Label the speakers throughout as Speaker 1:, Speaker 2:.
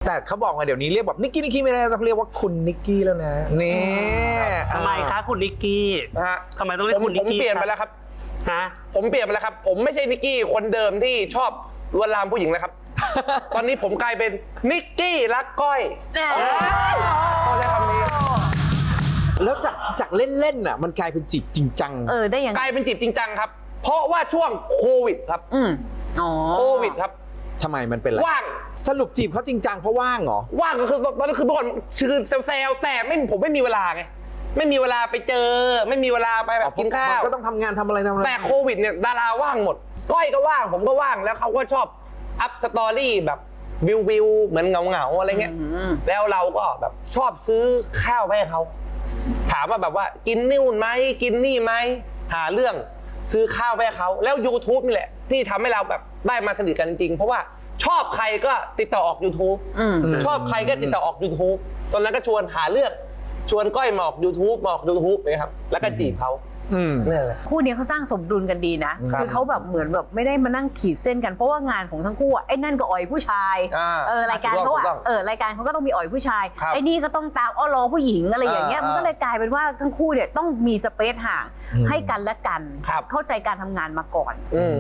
Speaker 1: แต่เขาบอกว่าเดี๋ยวนี้เรียกแบบนิกกี้ไม่ได้ต้องเรียกว่าคุณนิกกี้แล้วนะนี่
Speaker 2: ทำไมคะคุณนิกกี้ทำไมต้องเรียกคุณนิกกี้
Speaker 3: ผมเปลี่ยนไปแล้วครับ
Speaker 2: ฮะ
Speaker 3: ผมเปลี่ยนไปแล้วครับผมไม่ใช่นิกกี้คนเดิมที่ชอบลวนลามผู้หญิงนะครับ ตอนนี้ผมกลายเป็นนิกกี้รักก้อยเขาใช้คำนี้
Speaker 1: แล้วจากเล่นๆน่ะมันกลายเป็นจีบจริงจัง
Speaker 4: ได้ยัง
Speaker 3: กลายเป็นจีบจริงจังครับเพราะว่าช่วงโควิดครับโควิดครับ
Speaker 1: ทำไมมันเป็นอะไร
Speaker 3: ว่าง
Speaker 1: สรุปจีบเขาจริงจังเพราะว่างเหรอ
Speaker 3: ว่างก็คือตอนนั้นคือเมื่อก่อนชื่อเซลแต่ผมไม่มีเวลาไงไม่มีเวลาไปเจอไม่มีเวลาไปแบบกินข้าว
Speaker 1: ก็ต้องทำงานทำอะไร
Speaker 3: แต่โควิดเนี่ยดาราว่างหมดก้อยก็ว่างผมก็ว่างแล้วเขาก็ชอบอัพสตอรี่แบบวิวเหมือนเงาอะไรเงี้ยแล้วเราก็แบบชอบซื้อข้าวให้เขาถามว่าแบบว่ากินนู่นไหมกินนี่ไหมหาเรื่องซื้อข้าวให้เขาแล้ว YouTube นี่แหละที่ทำให้เราแบบได้มาสนิทกันจริงๆเพราะว่าชอบใครก็ติดต่อออก YouTube ชอบใครก็ติดต่อออก YouTube ตอนนั้นก็ชวนหาเรื่องชวนก้อยมาออก YouTube นะครับแล้วก็จีบเขานี่แหละ
Speaker 4: คู่นี้เขาสร้างสมดุลกันดีนะคือเขาแบบเหมือนแบบไม่ได้มานั่งขีดเส้นกันเพราะว่างานของทั้งคู่ไอ้นั่นก็อ่อยผู้ชายรายการเขารายการเขาก็ต้องมีอ่อยผู้ชายไอ้นี่ก็ต้องตามอ้อล้อผู้หญิงอะไรอย่างเงี้ยมันก็เลยกลายเป็นว่าทั้งคู่เนี่ยต้องมีสเปซห่างให้กันและกันเข้าใจการทำงานมาก่อน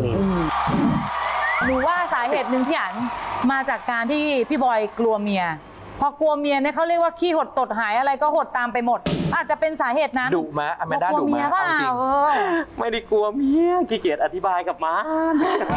Speaker 5: หนูว่าสาเหตุหนึ่งพี่อั๋นมาจากการที่พี่บอยกลัวเมียพอกลัวเมียเนี่ยเขาเรียกว่าขี้หดตดหายอะไรก็หดตามไปหมดอาจจะเป็นสาเหตุนั้น
Speaker 1: ดุมะอแมนด้าดุมะเอาจริง
Speaker 2: ไม่ได้กลัวเมียขี้เกียจอธิบายกับมัน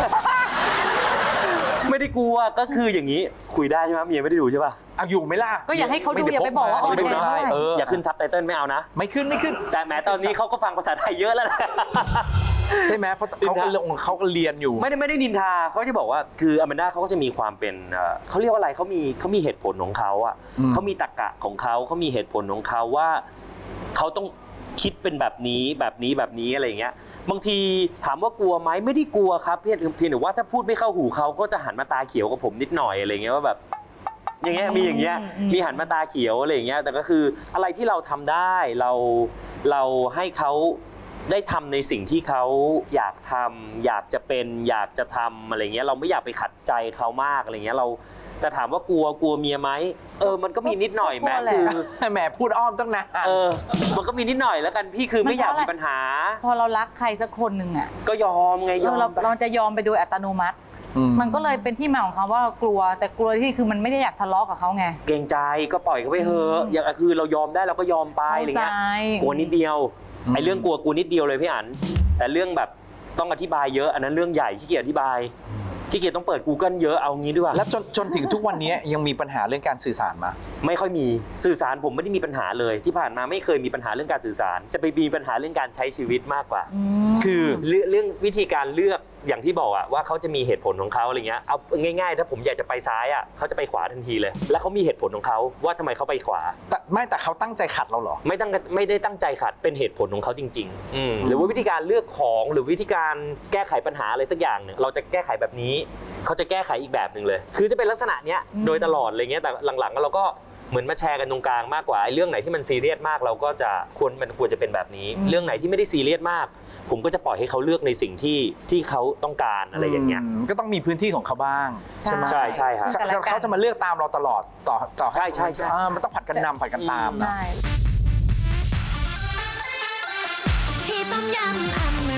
Speaker 2: ไม่ได้กลัวก็คืออย่างนี้คุยได้ใช่ไหมเมียไม่ได้ดูใช่ป่ะ
Speaker 1: อยู่ไหมล่ะ
Speaker 5: ก็อยากให้เขาดูอย่าไปบอกว่า
Speaker 2: ไม่ดูนะอย่าขึ้นซับไตเติลไม่เอานะ
Speaker 1: ไม่ขึ้น
Speaker 2: แต่แม้ตอนนี้เขาก็ฟังภาษาไทยเยอะแล้วแหละ
Speaker 1: ใช่ไหมเพราะเขาก็เรียนอยู่
Speaker 2: ไม่ได้นินทาเขาจะบอกว่าคืออแมนด้าเขาก็จะมีความเป็นเขาเรียกว่าอะไรเขามีเหตุผลของเขาอ่ะเขามีตรรกะของเขามีเหตุผลของเขาว่าเขาต้องคิดเป็นแบบนี้อะไรอย่างเงี้ยบางทีถามว่ากลัวไหมไม่ได้กลัวครับเพียงแต่ว่าถ้าพูดไม่เข้าหูเขาก็จะหันมาตาเขียวกับผมนิดหน่อยอะไรเงี้ยว่าแบบอย่างเงี้ยมีหันมาตาเขียวอะไรอย่างเงี้ยแต่ก็คืออะไรที่เราทำได้เราให้เขาได้ทำในสิ่งที่เขาอยากทำอยากจะเป็นอยากจะทำอะไรเงี้ยเราไม่อยากไปขัดใจเขามากอะไรเงี้ยเราแต่ถามว่ากลัวเมียไหมมันก็มีนิดหน่อยแม้คือ
Speaker 1: แหมพูดอ้อมต้องนาน
Speaker 2: มันก็มีนิดหน่อยแล้วกันพี่คือไม่อยากมีปัญหา
Speaker 5: พอเรารักใครสักคนหนึ่งอ่ะ
Speaker 2: ก็ยอมไง
Speaker 5: เราจะยอมไปโดยอัตโนมัติมันก็เลยเป็นที่มาของคำว่ากลัวแต่กลัวที่คือมันไม่ได้อยากทะเลาะกับเขาไง
Speaker 2: เกรงใจก็ปล่อยเขาไปเถอะอย่างคือเรายอมได้เราก็ยอมไปอะไรเงี้ยกลัวนิดเดียวไอ้เรื่องกลัวนิดเดียวเลยพี่อั๋นแต่เรื่องแบบต้องอธิบายเยอะอันนั้นเรื่องใหญ่ขี้เกียจอธิบายขี้เกียจต้องเปิด Google เยอะเอางี้ดีกว่า
Speaker 1: แล้วจนถึงทุกวันนี้ยังมีปัญหาเรื่องการสื่อสารมา
Speaker 2: ไม่ค่อยมีสื่อสารผมไม่ได้มีปัญหาเลยที่ผ่านมาไม่เคยมีปัญหาเรื่องการสื่อสารจะไปมีปัญหาเรื่องการใช้ชีวิตมากกว่าคือเรื่องวิธีการเลือกอย่างที่บอกอะว่าเขาจะมีเหตุผลของเขาอะไรเงี้ยเอาง่ายๆถ้าผมอยากจะไปซ้ายอะเขาจะไปขวาทันทีเลยแล้วเขามีเหตุผลของเขาว่าทำไมเขาไปขวา
Speaker 1: แต่เขาตั้งใจขัดเราเหรอ
Speaker 2: ไม่ได้ตั้งใจขัดเป็นเหตุผลของเขาจริงๆหรือว่าวิธีการเลือกของหรือวิธีการแก้ไขปัญหาอะไรสักอย่างเนี่ยเราจะแก้ไขแบบนี้เขาจะแก้ไขอีกแบบหนึ่งเลยคือจะเป็นลักษณะเนี้ยโดยตลอดอะไรเงี้ยแต่หลังๆเราก็เหมือนมาแชร์กันตรงกลางมากกว่าเรื่องไหนที่มันซีเรียสมากเราก็จะควรจะเป็นแบบนี้เรื่องไหนที่ไม่ได้ซีเรียสมากผมก็จะปล่อยให้เขาเลือกในสิ่งที่เขาต้องการอะไรอย่างเงี้ย
Speaker 1: ก็ต้องมีพื้นที่ของเขาบ้างใช่ไหม
Speaker 2: ใช่ครับ
Speaker 1: เขาจะมาเลือกตามเราตลอดต่อ
Speaker 2: ใช่
Speaker 1: มันต้องผัดกันนำผัดกันตามนะ
Speaker 6: ที่ต้มยำ